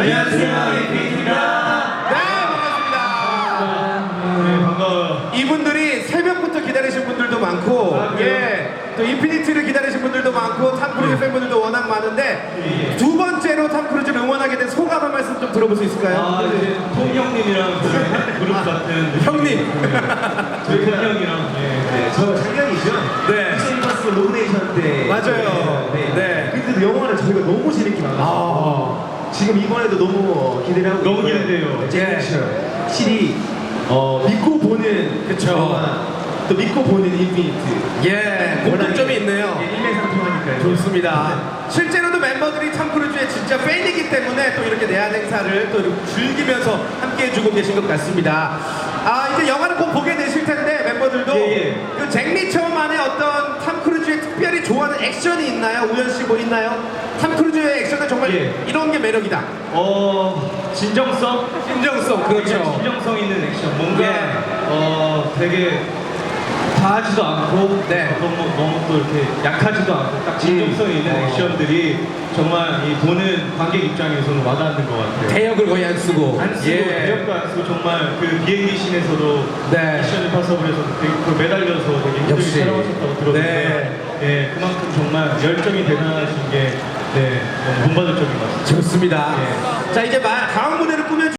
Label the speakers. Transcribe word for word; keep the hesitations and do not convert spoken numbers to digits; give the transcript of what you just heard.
Speaker 1: 안녕하세요, 인피니트입니다.
Speaker 2: 네, 반갑습니다.
Speaker 1: 네, 반가워요.
Speaker 2: 이분들이 새벽부터 기다리신 분들도 많고,
Speaker 1: 아, 그래요?
Speaker 2: 예, 또 인피니트를 기다리신 분들도 많고, 탐 크루즈 팬분들도 워낙 많은데,
Speaker 1: 예, 예.
Speaker 2: 두 번째로 탐 크루즈를 응원하게 된 소감 한 말씀 좀 들어볼 수 있을까요?
Speaker 1: 아, 이제 톰 형님이랑 저희 한 그룹 같은
Speaker 2: 형님.
Speaker 1: 저희 톰 형이랑 예, 네, 저 작년이죠.
Speaker 2: 네.
Speaker 1: 크리스마스 로그네이션 때
Speaker 2: 맞아요.
Speaker 1: 네.
Speaker 2: 네.
Speaker 1: 그때도 영화를 저희가 너무 재밌게 만났어요.
Speaker 2: 아,
Speaker 1: 지금 이번에도 너무 기대를 하고
Speaker 3: 너무
Speaker 1: 있고요.
Speaker 3: 기대돼요.
Speaker 1: 네, 예. 확실히 어, 믿고 보는
Speaker 2: 그쵸.
Speaker 1: 영화, 또 믿고 보는 인피니트.
Speaker 2: 예, 공통점이 있네요.
Speaker 1: 예, 일맥상통하니까요.
Speaker 2: 좋습니다. 실제로도 멤버들이 탐 크루즈의 진짜 팬이기 때문에 또 이렇게 내한 행사를 또 이렇게 즐기면서 함께 해주고 계신 것 같습니다. 아, 이제 영화를 곧 보게 되실 텐데 멤버들도
Speaker 1: 예, 예.
Speaker 2: 그 잭리처만의 어떤 탐 크루즈의 특별히 좋아하는 액션이 있나요? 우현 씨 뭐 있나요? 탐 크루즈의 액션은 정말
Speaker 1: 예.
Speaker 2: 이런 게 매력이다.
Speaker 3: 어 진정성?
Speaker 2: 진정성, 그렇죠.
Speaker 3: 진정성 있는 액션. 뭔가
Speaker 2: 예.
Speaker 3: 어 되게 과하지도 않고
Speaker 2: 네.
Speaker 3: 너무 너무 또 이렇게 약하지도 않고 딱 진정성 있는
Speaker 2: 어.
Speaker 3: 액션들이 정말 이 보는 관객 입장에서는 와닿는 것 같아요.
Speaker 2: 대역을 거의 안 쓰고.
Speaker 3: 안 쓰고
Speaker 2: 예.
Speaker 3: 대역도 안 쓰고 정말 그 비행기 씬에서도
Speaker 2: 네.
Speaker 3: 미션 임파서블에서 되게 그 매달려서 되게 힘들게
Speaker 2: 역시.
Speaker 3: 촬영하셨다고 들었는데
Speaker 2: 네.
Speaker 3: 예, 그만큼 정말 열정이 대단하신 게 네, 너무 본받을 점인 것 같습니다.
Speaker 2: 좋습니다.
Speaker 3: 예.
Speaker 2: 자, 이제 마- 다음 무대를 꾸며